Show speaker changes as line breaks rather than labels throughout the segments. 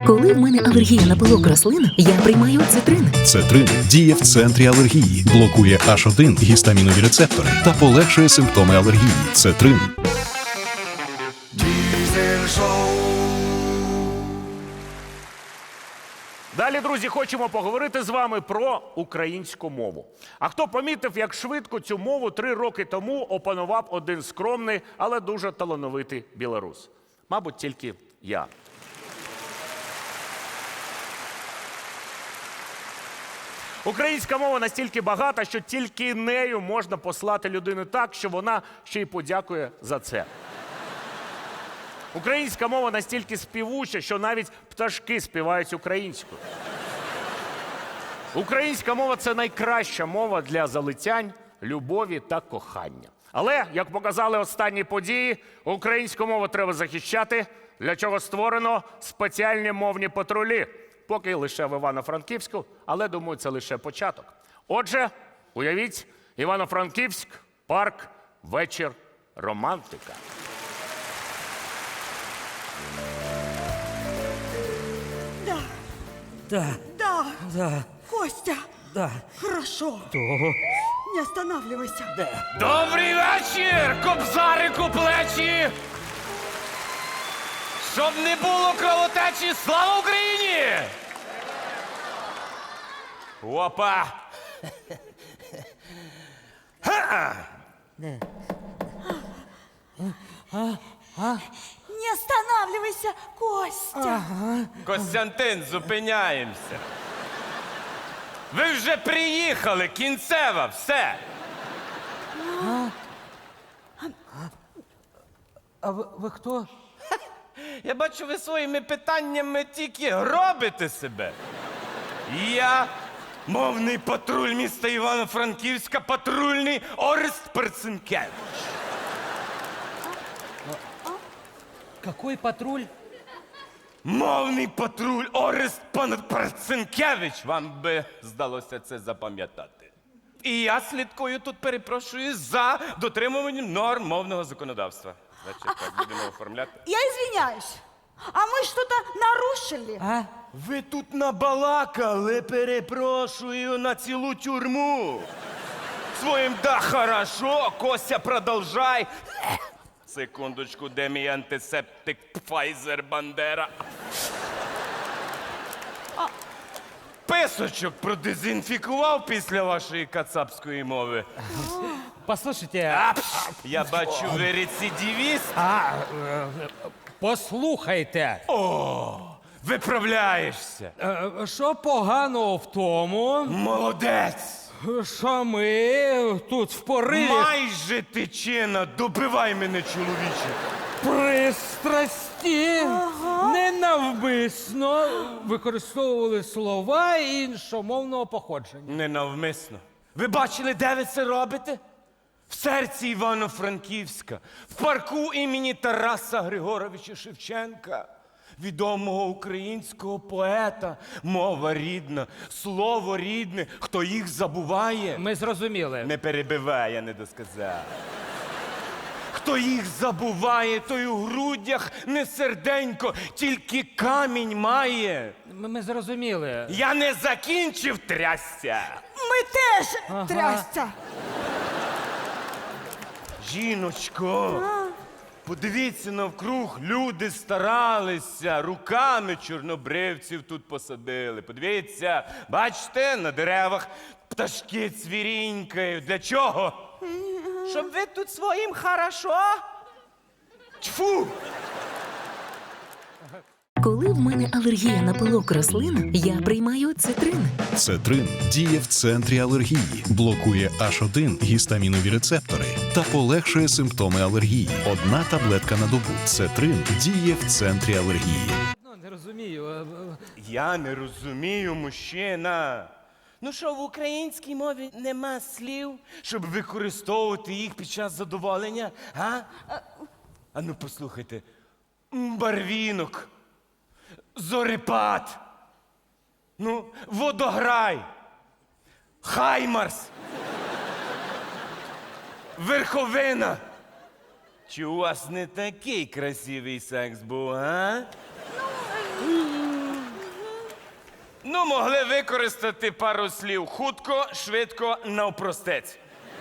Коли в мене алергія на пилок рослин, я приймаю цитрин.
Цетрин діє в центрі алергії, блокує H1 гістамінові рецептори та полегшує симптоми алергії. Цетрин.
Далі, друзі, хочемо поговорити з вами про українську мову. А хто помітив, як швидко цю мову 3 роки тому опанував один скромний, але дуже талановитий білорус? Мабуть, тільки я. Українська мова настільки багата, що тільки нею можна послати людину так, що вона ще й подякує за це. Українська мова настільки співуча, що навіть пташки співають українською. Українська мова – це найкраща мова для залицянь, любові та кохання. Але, як показали останні події, українську мову треба захищати, для чого створено спеціальні мовні патрулі. Поки лише в Івано-Франківську, але, думаю, це лише початок. Отже, уявіть, Івано-Франківськ, парк, вечір, романтика.
Да. Костя.
Да.
Хорошо. Не останавливайся.
Добрий вечір, кобзарику плечі! Щоб не було кровотечі, слава Україні! Опа!
Не останавливайся, Костя.
Костянтин, зупиняємося. Ви вже приїхали, кінцева, все.
А ви хто?
Я бачу, ви своїми питаннями тільки робите себе. Я мовний патруль міста Івано-Франківська, патрульний Орест Перцинкевич.
Какой патруль?
Мовний патруль Орест Перцинкевич. Вам би здалося це запам'ятати. І я слідкую тут, перепрошую, за дотримуванням норм мовного законодавства. Значить, так будемо оформляти.
Я извиняюсь. А мы что-то нарушили?
А?
Ви тут набалакали, перепрошую, на цілу тюрму. Своїм «да, хорошо», Костя, продовжай. Секундочку, де мій антисептик Pfizer Бандера? Писочок продезінфікував після вашої кацапської мови.
Послушайте,
Я бачу, ви рецидивіст.
послухайте.
Виправляєшся.
Що поганого в тому,
Молодець.
що ми тут в пориві
Майже тичина. Добивай мене, чоловіче.
пристрасті ненавмисно використовували слова іншомовного походження.
Ненавмисно. Ви бачили, де ви це робите? В серці Івано-Франківська, в парку імені Тараса Григоровича Шевченка, відомого українського поета. Мова рідна, слово рідне. Хто їх забуває?
Ми зрозуміли.
Не перебивай, я не досказав. Хто їх забуває, той у грудях не серденько, тільки камінь має.
Ми зрозуміли.
Я не закінчив, трясся.
Мы теж трясся.
Жіночко, подивіться навкруг, люди старалися, руками чорнобривців тут посадили. Подивіться, бачите, на деревах пташки цвірінькають. Для чого? Щоб ви тут своїм хорошо? Тьфу!
Коли в мене алергія на пилок рослин, я приймаю цитрин.
Цетрин діє в центрі алергії, блокує H1 гістамінові рецептори та полегшує симптоми алергії. Одна таблетка на добу. Цетрин діє в центрі алергії.
Не розумію.
Я не розумію, мужчина. Ну що, в українській мові нема слів, щоб використовувати їх під час задоволення, а? А ну послухайте. Барвінок, зорепад, ну, водограй, хаймарс, верховина. Чи у вас не такий красивий секс був, а? Ну, могли використати пару слів хутко, швидко, навпростець.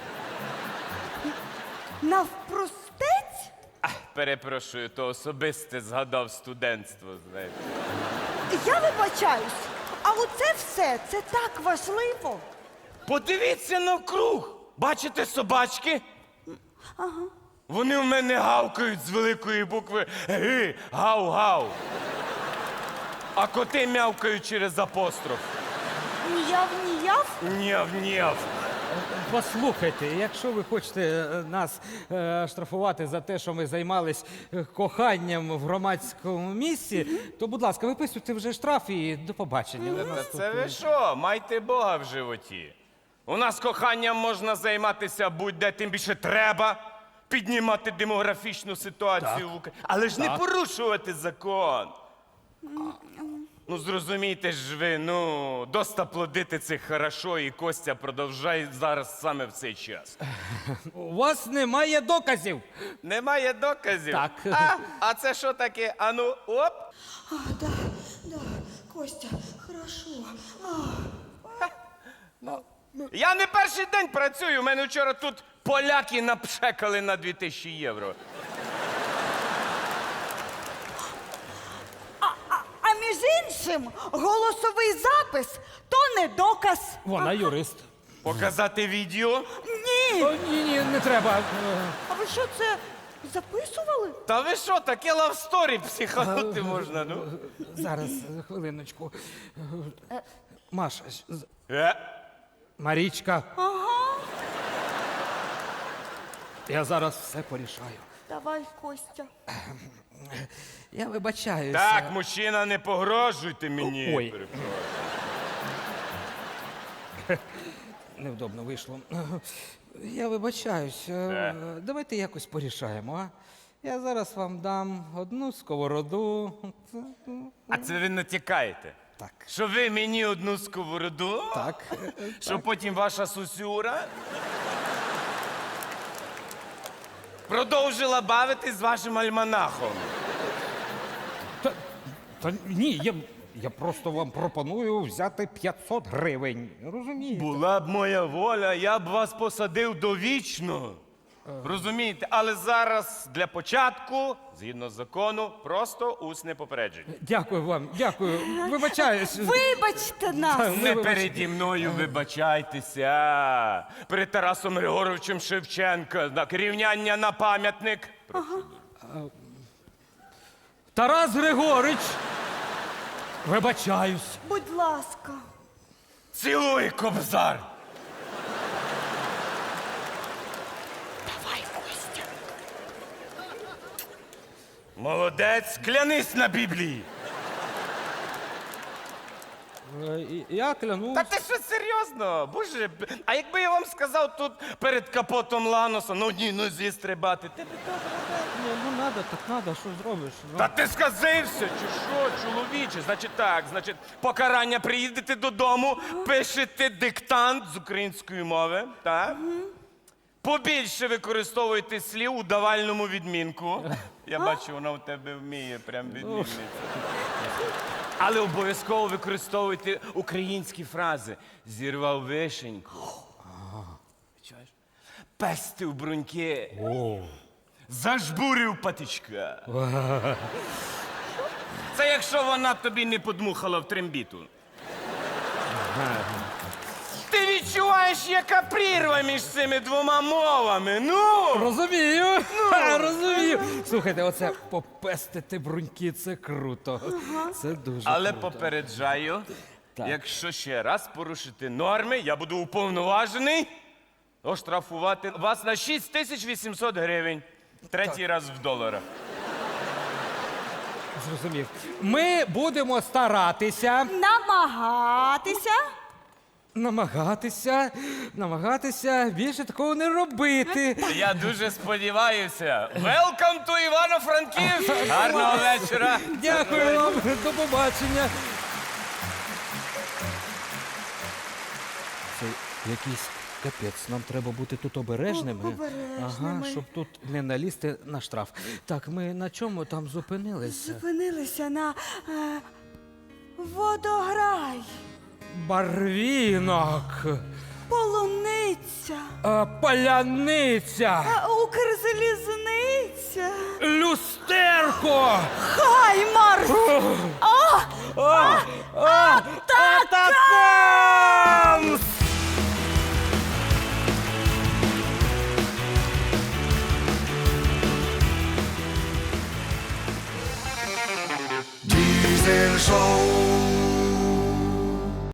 Навпростець?
Перепрошую, то особисте згадав студентство, знаєте.
Я вибачаюсь, а оце все, це так важливо.
Подивіться навкруг. Бачите собачки? Ага. Вони в мене гавкають з великої букви Г, гав-гав. А коти мявкають через апостроф.
Ніяв-ніяв?
Нєв-нєв.
Послухайте, якщо ви хочете нас штрафувати за те, що ми займались коханням в громадському місці, то, будь ласка, виписуйте вже штраф і до побачення.
Та це ви що? Майте Бога в животі. У нас коханням можна займатися будь-де, тим більше треба піднімати демографічну ситуацію в Україні. Але ж не порушувати закон. Ну, зрозумійте ж ви, ну, доста плодити це хорошо, і Костя продовжай зараз саме в цей час.
У вас немає доказів.
Немає доказів?
Так.
А це що таке? Ану, оп.
Да, Костя, хорошо.
Я не перший день працюю, у мене вчора тут поляки напшекали на 2000 євро.
А між іншим, голосовий запис то не доказ.
Вона юрист.
Показати відео?
Ні.
Ні, не треба.
А ви що це записували?
Та ви що, таке лавсторі психанути можна, ну?
Зараз, хвилиночку. Маша,
Е?
Марічка,
Ага.
я зараз все порішаю.
Давай, Костя.
Я вибачаюся.
Так, мужчина, не погрожуйте мені.
Ой. Невдобно вийшло. Я вибачаюсь. Давайте якось порішаємо, а? Я зараз вам дам одну сковороду.
А це ви натякаєте?
Так.
Що ви мені одну сковороду?
Так.
Що потім ваша сусюра продовжила бавитись з вашим альманахом.
Та ні, я просто вам пропоную взяти 500 гривень. Розумієте?
Була б моя воля, я б вас посадив довічно. Розумієте? Але зараз для початку, згідно закону, просто усне попередження.
Дякую вам, дякую. Вибачаюсь.
Вибачте нас.
Не переді мною вибачайтеся. Перед Тарасом Григоровичем Шевченка. Так, рівняння на пам'ятник.
Тарас Григорич. Вибачаюсь.
Будь ласка.
Цілуй, кобзар!
Давай, Костя.
Молодець, клянись на Біблії.
Я клянусь.
Та ти що серйозно? Боже, а якби я вам сказав тут перед капотом Ланоса на одній нозі стрибати, ти б
Ну, надо, так надо, що зробиш? Ну.
Та ти сказився, чи що, чоловіче? Значить так, покарання приїдете додому, пишете диктант з української мови, так? Побільше використовуйте слів у давальному відмінку. Я бачу, вона у тебе вміє прям відмінниця. Але обов'язково використовуйте українські фрази. Зірвав вишеньку. Чуєш? Пестив бруньки. Зажбурив патичка. Це якщо вона тобі не подмухала в трембіту. Ти відчуваєш, яка прірва між цими двома мовами, ну!
Розумію, розумію. Слухайте, оце попестити бруньки, це круто. Це дуже
Але
круто.
попереджаю,
Так.
якщо ще раз порушити норми, я буду уповноважений оштрафувати вас на 6800 гривень. Третій раз в доларах.
Зрозумів. Ми будемо старатися, намагатися більше такого не робити.
Я дуже сподіваюся. Welcome to Івано-Франківськ! Гарного вечора!
Дякую вам, до побачення. Це якийсь капець. Нам треба бути тут обережними.
Обережними.
Ага, щоб тут не налізти на штраф. Так, ми на чому там зупинилися?
Зупинилися на Водограй,
Барвінок,
полуниця,
паляниця,
Укрзалізниця,
люстерко.
Хаймарс. Та